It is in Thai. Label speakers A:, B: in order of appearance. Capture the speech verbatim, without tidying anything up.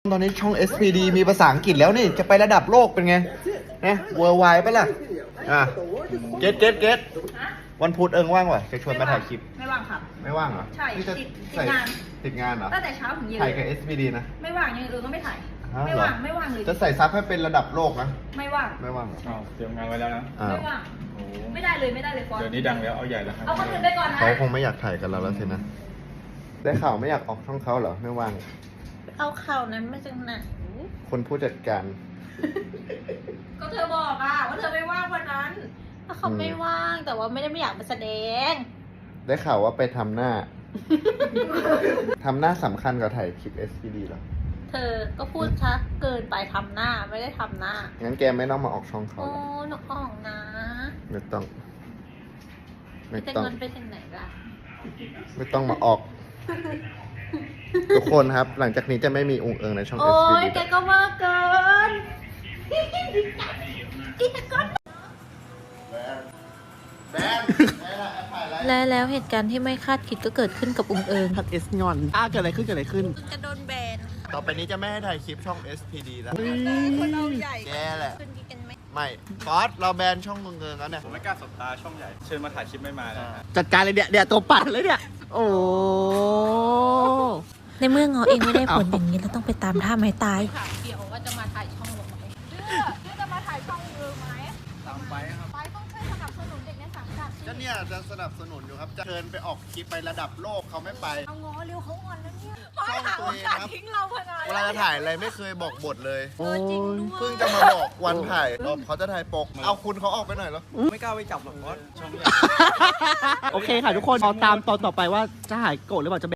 A: ตอนนี้ช่อง เอส พี ดี มีภาษาอังกฤษแล้วนี่จะไประดับโลกเป็นไงนะ worldwide ปะล่ะอ่ะเก็ตเก็ตเก็ตวันพุธเอิงว่างวะจะชวนมาถ่ายคลิป
B: ไม่ว่างครับ
A: ไม่ว่างเหรอ
B: ใช่
A: นี่จะ
B: ติดติด
A: ใส่
B: งาน
A: ติดงานเหรอ
B: ตั้งแต่เช้าถึงเย็น
A: ถ่ายกับ เอส พี ดี นะ
B: ไม่ว่างยังอื่นก็ไม่ถ่าย
A: อ้าว
B: ไม่
A: เหรอ
B: ว่างไม่ว่างเลย
A: จะใส่ซับให้เป็นระดับโลกนะ
B: ไม่ว่าง
A: ไม่ว่างเหรอ
C: อ้าวเตรียมงานไว้แล้วนะ
A: อ้าว
B: ไม่ว่าง
C: โอ้โห
B: ไม่ได้เลยไม่ได้เลยฟอน
C: เดี๋ยวนี้ดังแล้วเอาใหญ่แล้วครับ
B: เอาคนอื่นไปก่อนนะ
A: เขาคงไม่อยากถ่ายกับเราแล้วสินะ ได้ข่าวไม่อยากออกช่องเขาเหรอ ไม่ว่าง
D: เอาข่าวนั้นมาจากไหน
A: คนผู้จัดการ
B: ก็เธอบอกอะว่าเธอไม่ว่างวันนั้น
D: ถ้าเขาไม่ว่างแต่ว่าไม่ได้ไม่อยากมาแสดง
A: ได้ข่าวว่าไปทำหน้า ทำหน้าสำคัญกว่าถ่ายคลิป เอส พี ดี เหรอ
D: เธอก็พูดชัดเกินไปทำหน้าไม่ได้ทำหน้า
A: งั้นแกไม่ต้องมาออกช่องเขา
D: โอ้
A: หรอก
D: หนูออกนะ
A: ไม่ต้อง ไม่
D: แต่
A: ต้อง
D: เงินไปถึงไหนล่ะ
A: ไม่ต้องมาออก ทุกคนครับ หลังจากนี้จะไม่มีองค์เอิงในช่อง
D: โอ้
A: เอส พี
D: ย
A: ดี
D: แกก็มากเกินกินก้อน
A: แบนถ่ายอะไร
D: และแล้วเหตุการณ์ที่ไม่คาดคิดก็เกิดขึ้นกับอุงเอิง
E: ทักเอสงอนอ้าเกิดอะไรขึ้นเกิดอะไรขึ้น
D: จะโดนแบน
A: ต่อไปนี้จะไม่ให้ถ่ายคลิปช่อง เอส พี ดี แล้ว
D: คนเราใหญ่
A: แกแหละ
D: ขึ้นกันไหม
A: ไม่ฟอสเราแบนช่ององค์เอิงแล้วเนี่ย
C: ผมไม่กล้าสบตาช่องใหญ่ เชิญมาถ่ายคลิปไม่มานะฮะ
E: จัดการเลยเนี่ยเดี๋ยวตัวปัดเลยเนี่ย โอ้
D: ในเมื่องอเองไม่ได้ผลอย่างนี้เราต้องไปตามท่าไม้ตาย
B: ถามเกี่ยวว่าจะมาถ่ายช่องลงไหมเดือเดือจะมาถ่ายช่องลงไหม
C: ตามไปครับ
B: ไปต้องช่วยสนับสนุนเด็กในสังกัด
A: ก็เนี่ยจะสนับสนุนอยู่ครับ จะเชิญไปออกคลิปไประดับโลกเขาไม่ไป
B: เอาง้อเร็วเขาอ่อนแล้วเนี่ย
A: ช่องตัวเองครับ
B: ทิ้งเราขนาด
A: เวลาจะถ่ายอะไรไม่เคยบอกบทเลย
E: โอ้ย
A: เพิ่งจะมาบอกวันถ่ายรอบเขาจะถ่ายปก เอาคุณเขาออกไปหน่อยแล้ว
C: ไม่กล้าไปจับหรอกเพราะช่องใหญ่
E: โอเคค่ะทุกคนรอตามตอนต่อไปว่าจะหายโกรธหรือเปล่าจะ